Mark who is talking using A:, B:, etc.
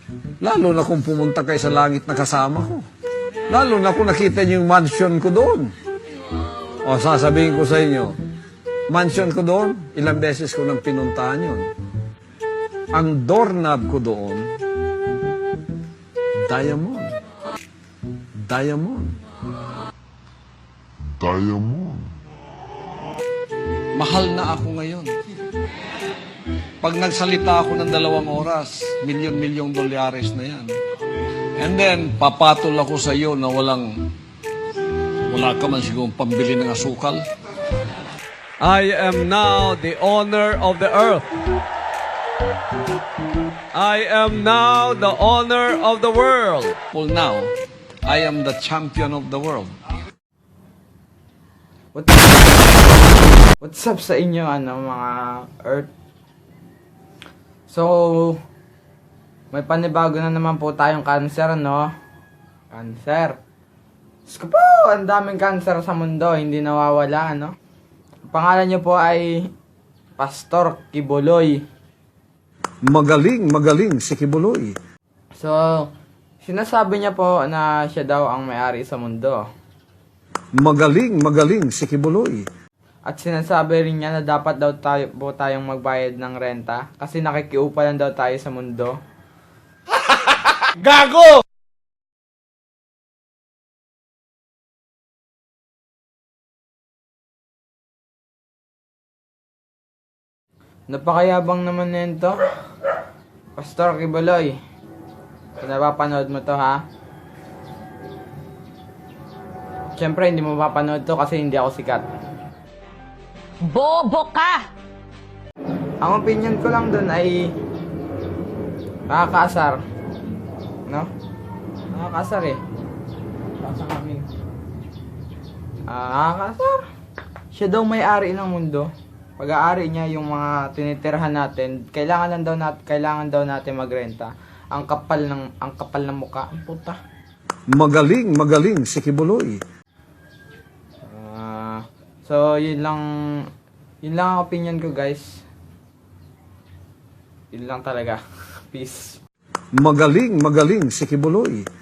A: Lalo na kung pumunta kayo sa langit na kasama ko. Lalo na kung nakita niyo yung mansion ko doon. O sasabihin ko sa inyo, mansion ko doon, ilang beses ko nang pinuntahan yun. Ang doorknob ko doon, diamond. Diamond.
B: Diamond.
A: Mahal na ako ngayon. Pag nagsalita ako ng 2 oras, milyon-milyong dolyares na yan. And then, papatol ako sa iyo na wala ka man siguro pambili ng asukal.
C: I am now the owner of the earth. I am now the owner of the world.
A: Well, now, I am the champion of the world.
D: What's up sa inyo, mga Earth? So, may panibago na naman po tayong cancer, no? Cancer. Diyos ko po, ang daming cancer sa mundo, hindi nawawala, no? Ang pangalan niyo po ay Pastor Kibuloy.
A: Magaling si Kibuloy.
D: So, sinasabi niya po na siya daw ang may-ari sa mundo.
A: Magaling si Kibuloy.
D: At sinasabi rin niya na dapat daw tayong magbayad ng renta kasi nakikiupa lang daw tayo sa mundo.
C: Gago!
D: Napakayabang naman nito. Pastor Kibuloy. Kung napapanood mo to, ha? Siyempre, hindi mo mapapanood to kasi hindi ako sikat.
E: Bobo ka!
D: Ang opinion ko lang dun ay nakakaasar. No? Nakakaasar eh. Basa kami. Nakakaasar. Siya daw may-ari ng mundo. Pag-aari niya yung mga tinitirhan natin, kailangan daw natin magrenta. Ang kapal ng mukha. Ang puta.
A: Magaling si Kibuloy.
D: So, yun lang ang opinion ko, guys. Yun lang talaga. Peace.
A: Magaling si Kibuloy.